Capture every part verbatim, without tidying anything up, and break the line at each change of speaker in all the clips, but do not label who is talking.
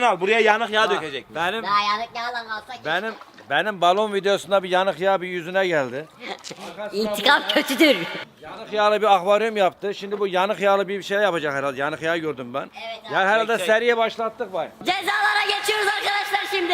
al. Buraya yanık yağ dökecek.
Benim
Daha yanık yağla kalsak
benim benim balon videosunda bir yanık yağ bir yüzüne geldi.
İntikam kötüdür.
Yanık yağlı bir akvaryum yaptı. Şimdi bu yanık yağlı bir şey yapacak herhalde. Yanık yağ gördüm ben.
Evet abi.
Yani herhalde
Çek, çek.
seriye başlattık var.
Cezalara geçiyoruz arkadaşlar şimdi.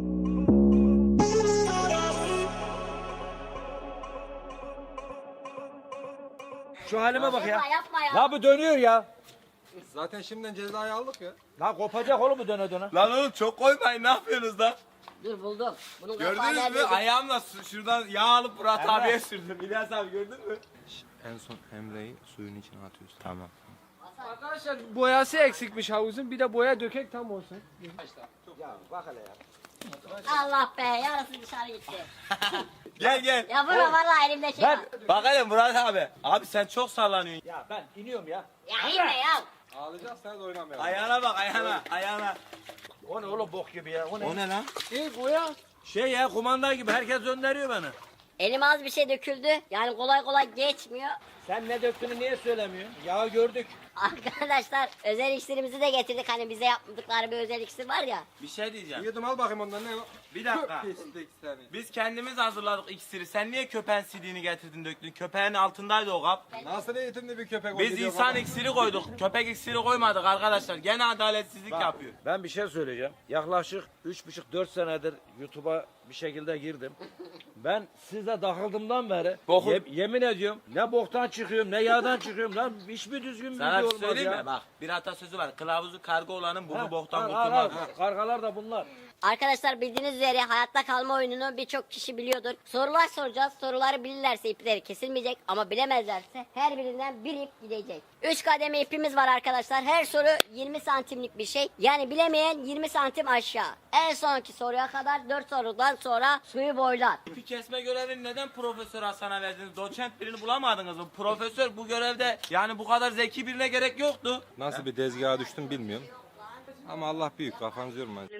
Şu halime bak ya.
Yapma yapma ya.
La bu dönüyor ya.
Zaten şimdiden cezayı aldık ya.
La kopacak oğlum bu döne döne.
Lan oğlum çok koymayın, ne yapıyorsunuz lan?
Dur buldum. Bunun kapağı
Gördünüz mü?
neredeydi?
Ayağımla su- şuradan yağ alıp Murat
Emre.
abiye sürdüm. İlyas abi gördün mü?
En son Emre'yi suyun içine atıyorsun.
Tamam.
Arkadaşlar boyası eksikmiş havuzun. Bir de boya dökek tam olsun.
Ya bak hele ya.
Allah be yarısı dışarı gitti.
Gel gel.
Ya vurma vallahi elimde şey
Ben-
var.
Bak hele Murat abi. Abi sen çok sallanıyorsun.
Ya ben iniyorum ya.
Ya inme ya.
Ağlayacaksanız oynamayalım.
Ayağına bak ayağına. Ayağına.
O ne oğlum bok gibi ya. O ne?
O ne lan?
İyi boya.
Şey ya kumanda gibi herkes gönderiyor beni.
Elime az bir şey döküldü. Yani kolay kolay geçmiyor.
Sen ne döktüğünü niye söylemiyorsun? Yağı gördük.
Arkadaşlar özel iksirimizi de getirdik. Hani bize yapmadıkları bir özel iksir var ya.
Bir şey diyeceğim.
Yudum al bakayım ondan ne o?
Bir dakika.
Pislik seni.
Biz kendimiz hazırladık iksiri. Sen niye köpeğin sidiğini getirdin döktün? Köpeğin altındaydı o kap.
Nasıl eğitimli bir köpek o
Biz
gidiyor
insan
baba?
iksiri koyduk. Köpek iksiri koymadık arkadaşlar. Gene adaletsizlik yapıyor.
Ben bir şey söyleyeceğim. Yaklaşık üç buçuk dört senedir YouTube'a bir şekilde girdim. Ben size takıldığımdan beri
Boku-
ye- yemin ediyorum ne boktan çıkıyorum ne yağdan çıkıyorum lan hiçbir düzgün bir
Sana
video
bir
olmaz
söyleyeyim
ya.
mi? Bak bir atasözü var. Kılavuzu karga olanın burnu
Ha,
boktan
al, al,
kurtulmaz.
al. Kargalar da bunlar.
Arkadaşlar bildiğiniz üzere hayatta kalma oyununu birçok kişi biliyordur. Sorular soracağız. Soruları bilirlerse ipleri kesilmeyecek ama bilemezlerse her birinden bir ip gidecek. üç kademe ipimiz var arkadaşlar. Her soru yirmi santimlik bir şey. Yani bilemeyen yirmi santim aşağı. En sonki soruya kadar dört sorudan sonra suyu boylar.
İpi kesme görevini neden Profesör Hasan'a verdiniz? Doçent birini bulamadınız mı? Profesör bu görevde yani bu kadar zeki birine gerek yoktu.
Nasıl bir tezgaha düştüm bilmiyorum. Ama Allah büyük, kafanızı yormayın.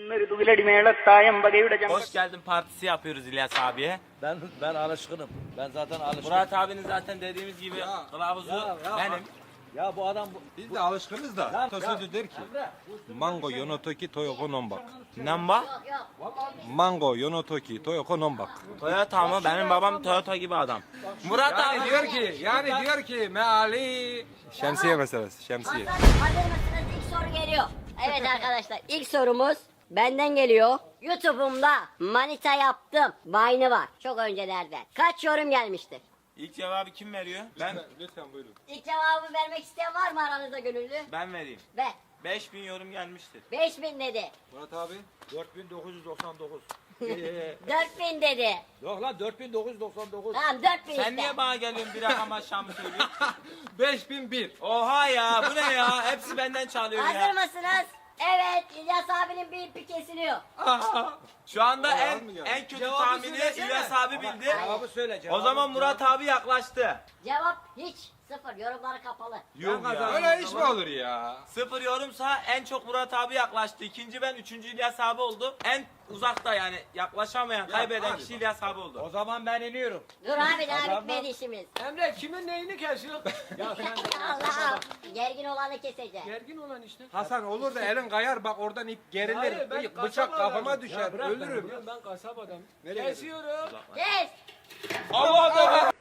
Hoş geldin partisi yapıyoruz İlyas abiye.
Ben ben alışkınım. Ben zaten alışkınım.
Murat abinin zaten dediğimiz gibi
Ya,
kılavuzu
ya, ya.
benim.
Ya bu adam bu,
Biz de alışkınız da.
Lan,
Atasözü
ya.
der ki.
Emre,
Mango yonotoki toyoko nombak.
Namba?
Yok yok.
Mango yonotoki toyoko nombak.
Toyota mı? Benim babam Toyota gibi adam. Murat
Yani
abi
diyor ki, yani diyor ki meali. Şemsiye meselesi, şemsiye.
Hazır, hazır mısınız? İlk soru geliyor. Evet arkadaşlar ilk sorumuz benden geliyor. YouTube'umda manita yaptım. Vine'ı var. Çok öncelerden. Kaç yorum gelmiştir?
ilk cevabı kim veriyor? Ben
Lütfen buyurun.
İlk cevabı vermek isteyen var mı aranızda gönüllü?
ben vereyim.
Ver.
beş bin yorum gelmiştir.
beş bin dedi.
Murat abi.
dört bin dokuz yüz doksan dokuz.
dört bin dedi.
Yok lan dört bin dokuz yüz doksan dokuz.
Tamam dört bin
Sen
işte.
niye bana geliyorsun bir rakam aşağı mı söylüyorsun?
beş bin bir.
Oha ya bu ne ya? Hepsi benden çalıyor
Hazır
ya.
mısınız? Evet İlyas abinin bir ipi kesiliyor.
Şu anda
Cevabı
en
mı geldi?
en kötü
Cevabı
tahmini
söylesene.
İlyas abi bildi.
Cevabı söyle
O
cevabı.
zaman Murat abi yaklaştı.
Cevap hiç. Sıfır. Yorumları kapalı.
Yok ya.
Öyle iş mi olur ya?
Sıfır yorumsa en çok Murat abi yaklaştı. İkinci ben, üçüncü İlyas abi oldu. En uzakta yani yaklaşamayan, kaybeden
hadi
kişi
bak.
İlyas abi oldu.
O zaman ben iniyorum.
Dur abi daha
Adamlar-
bitmedi işimiz.
Emre kimin neyini kesiyor?
Ya sen de
Allah'ım. Gergin olanı keseceğim.
Gergin olan işte.
Hasan olur da elin kayar bak oradan ip gerilir.
Hayır, ben
Bıçak
kasap
kafama
adamım.
düşer.
Ya bırak beni,
ölürüm.
Ben, ben kasap adamım.
Nereye
Kesiyorum.
Kes.
Allah Allah.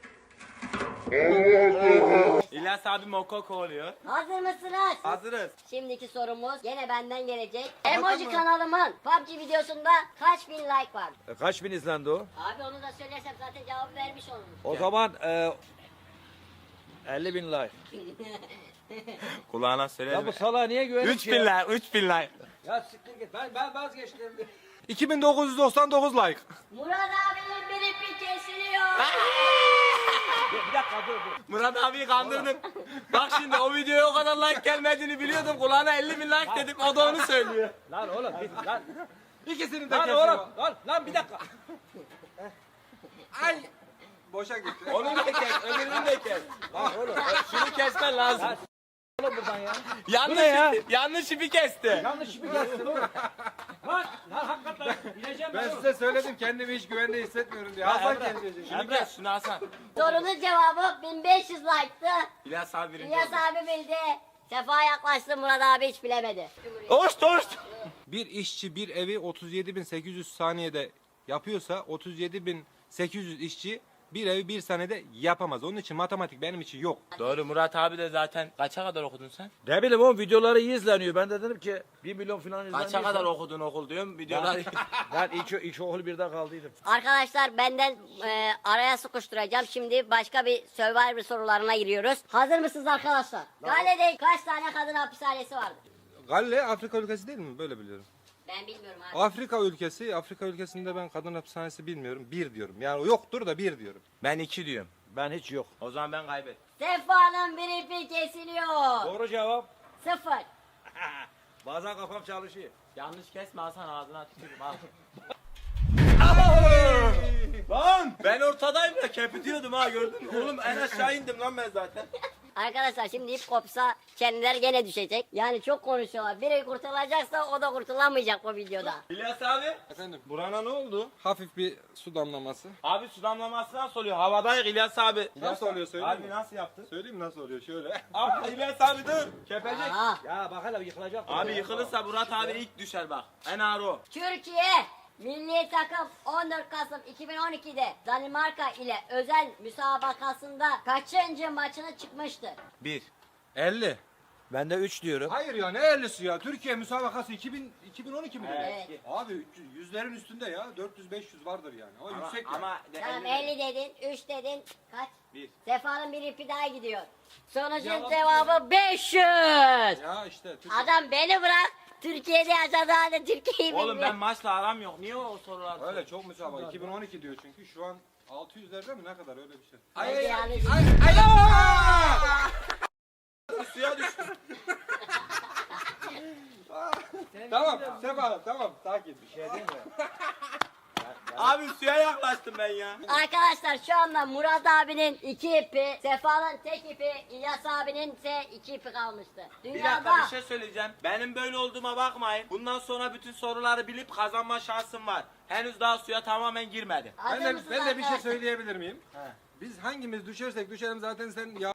İlyas abi mokoko oluyor.
Hazır mısınız?
Hazırız.
Şimdiki sorumuz gene benden gelecek. Emoji kanalımın P U B G videosunda kaç bin like var?
E, kaç bin izlendi o?
Abi onu da söylersem zaten cevabı vermiş olurum.
O zaman e, elli bin like.
Kulağına
Ya
söyle.
bu salağa niye güvenip
üç bin like, üç bin like.
Ya siktir git. Ben, ben vazgeçtim.
iki bin dokuz yüz doksan dokuz like.
Murat abinin bir ipi kesiliyor.
Bir dakika dur dur.
Murat abiyi kandırdım. Bak şimdi o videoya o kadar like gelmediğini biliyordum. Kulağına elli bin like dedim. O da onu söylüyor.
Lan oğlum bir, lan.
İkisini de
Lan
kesiyor.
oğlum. Lan, lan bir dakika.
Ay. Boşa gitti.
Onu da kes, öbürünü de kes.
Lan oğlum.
Şunu kesmen lazım.
Lan oğlum buradan ya.
Yanlış,
Bu ne ya?
ipi, yanlış ipi kesti.
Yanlış bir kestin oğlum. Lan, lan hakikaten ineceğim
Ben
ben.
size söyledim kendimi hiç güvende hissetmiyorum diye. Hasan kesecek.
Şunu kes, şunu Hasan.
Sorunun cevabı bin beş yüz like'tı.
İlyas abi birinci
İlyas
oldu.
abi bildi. Sefa yaklaştı Murat abi hiç bilemedi.
Hoş hoş.
Bir işçi bir evi otuz yedi bin sekiz yüz saniyede yapıyorsa otuz yedi bin sekiz yüz işçi bir evi bir saniyede yapamaz. Onun için matematik benim için yok.
Doğru, Murat abi de zaten kaça kadar okudun sen?
Ne bileyim oğlum, videoları iyi izleniyor. Ben de dedim ki bir milyon falan izleniyor.
Kaça kadar okudun okul diyorum videolar.
Ben iki, iki okul birde kaldıydım.
Arkadaşlar benden e, araya sıkıştıracağım. Şimdi başka bir Survivor sorularına giriyoruz. Hazır mısınız arkadaşlar? Gale'de kaç tane kadın hapishanesi vardır?
Galle Afrika ülkesi değil mi? Böyle biliyorum.
Ben bilmiyorum abi.
Afrika ülkesi, Afrika ülkesinde ben kadın hapishanesi bilmiyorum. Bir diyorum. Yani yoktur da bir diyorum.
Ben iki diyorum.
Ben hiç yok.
O zaman ben kaybettim.
Sefa'nın bir ipi kesiliyor.
Doğru cevap.
Sıfır.
Bazen kafam çalışıyor.
Yanlış kesme Hasan, ağzına tükürüm al. Lan ben ortadayım da kepitiyordum ha, gördün mü? Oğlum en aşağı indim lan ben zaten.
Arkadaşlar şimdi ip kopsa kendileri gene düşecek. Yani çok konuşuyorlar. Biri kurtulacaksa o da kurtulamayacak bu videoda.
İlyas abi.
Efendim burana ne oldu? Hafif bir su damlaması.
Abi su damlaması nasıl oluyor? Havadayız İlyas abi.
Nasıl oluyor söyleyeyim
Abi
mi?
nasıl yaptın?
Söyleyeyim mi nasıl oluyor? Şöyle.
Abi İlyas abi dur. Kepecek.
Aha.
Ya bak hele yıkılacak.
Abi yıkılırsa Murat abi ilk düşer bak. En ağır o.
Türkiye milli takım on dört Kasım iki bin on iki'de Danimarka ile özel müsabakasında kaçıncı maçına çıkmıştır?
Bir.
elli.
Ben de üç diyorum.
Hayır ya ne ellisi ya? Türkiye müsabakası iki bin, iki bin on iki mi dedi?
Evet.
Abi üç yüz yüzlerin üstünde ya. dört yüz beş yüz vardır yani. Ama,
Ama,
yüksek ya.
ama de
Tamam
elli-
elli dedin, üç dedin, kaç?
Bir.
Sefa'nın bir ipi daha gidiyor. Sonucun
Cevap-
cevabı beş yüz.
Ya işte Türkiye.
Adam beni bırak. Türkiye'de yaşadığı halde Türkiye'yi
Oğlum
bilmiyor.
ben maçla aram yok. Niye o sorular?
Öyle çok müsabaka. iki bin on iki diyor çünkü şu an altı yüzlerde mi ne kadar öyle bir şey.
Bence yanlış.
Suya düştüm.
Tamam Sefa tamam sakin.
Bir şey değil mi?
Abi suya yaklaştım ben ya.
Arkadaşlar şu anda Murat abinin iki ipi, Sefa'nın tek ipi, İlyas abinin ise iki ipi kalmıştı.
Bir
Dünyada
dakika bir şey söyleyeceğim. Benim böyle olduğuma bakmayın. Bundan sonra bütün soruları bilip kazanma şansım var. Henüz daha suya tamamen girmedim.
Hazır
Ben de,
mısınız
ben de bir şey
arkadaşlar?
söyleyebilir miyim? Biz hangimiz düşersek düşelim zaten sen ya